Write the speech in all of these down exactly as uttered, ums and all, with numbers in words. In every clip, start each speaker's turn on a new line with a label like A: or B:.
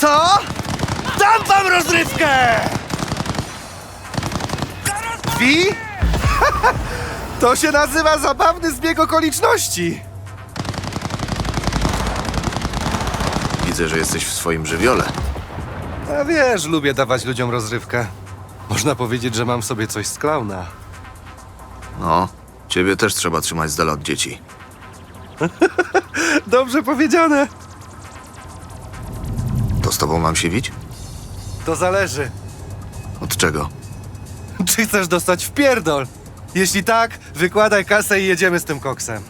A: Co? Dam wam rozrywkę! Wi? To się nazywa zabawny zbieg okoliczności.
B: Widzę, że jesteś w swoim żywiole.
A: A wiesz, lubię dawać ludziom rozrywkę. Można powiedzieć, że mam w sobie coś z klauna.
B: No, ciebie też trzeba trzymać z dala od dzieci.
A: Dobrze powiedziane.
B: To z tobą mam się wić?
A: To zależy.
B: Od czego?
A: Czy chcesz dostać w pierdol? Jeśli tak, wykładaj kasę i jedziemy z tym koksem.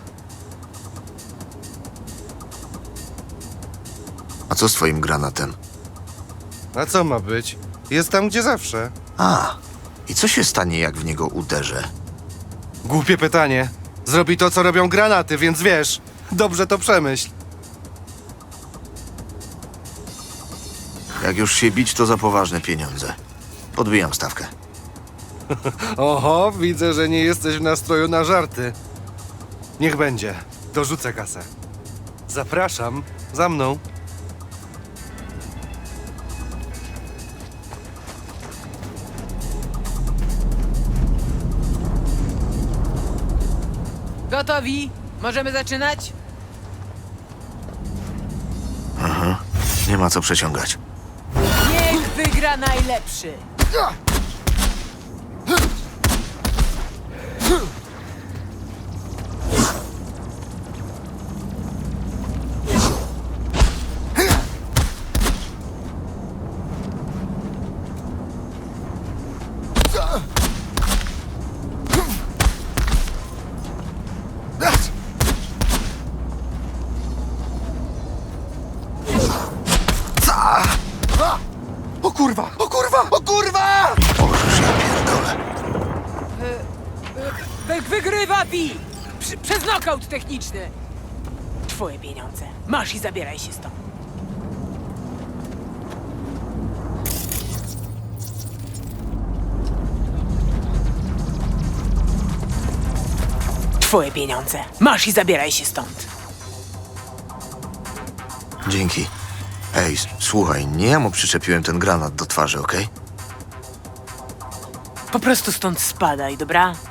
B: A co z twoim granatem?
A: A co ma być? Jest tam, gdzie zawsze.
B: A, i co się stanie, jak w niego uderzę?
A: Głupie pytanie. Zrobi to, co robią granaty, więc wiesz, dobrze to przemyśl.
B: Jak już się bić, to za poważne pieniądze. Podbijam stawkę.
A: Oho, widzę, że nie jesteś w nastroju na żarty. Niech będzie. Dorzucę kasę. Zapraszam. Za mną.
C: Gotowi? Możemy zaczynać?
B: Nie ma co przeciągać.
C: Niech wygra najlepszy!
A: O kurwa! O kurwa! O kurwa!
B: Możesz, ja pierdolę.
C: Wy wygrywa Pi! Prze- Przez nokaut techniczny! Twoje pieniądze. Masz i zabieraj się stąd. Twoje pieniądze. Masz i zabieraj się stąd.
B: Dzięki. Ej, s- słuchaj, nie ja mu przyczepiłem ten granat do twarzy, okej?
C: Po prostu stąd spadaj, dobra?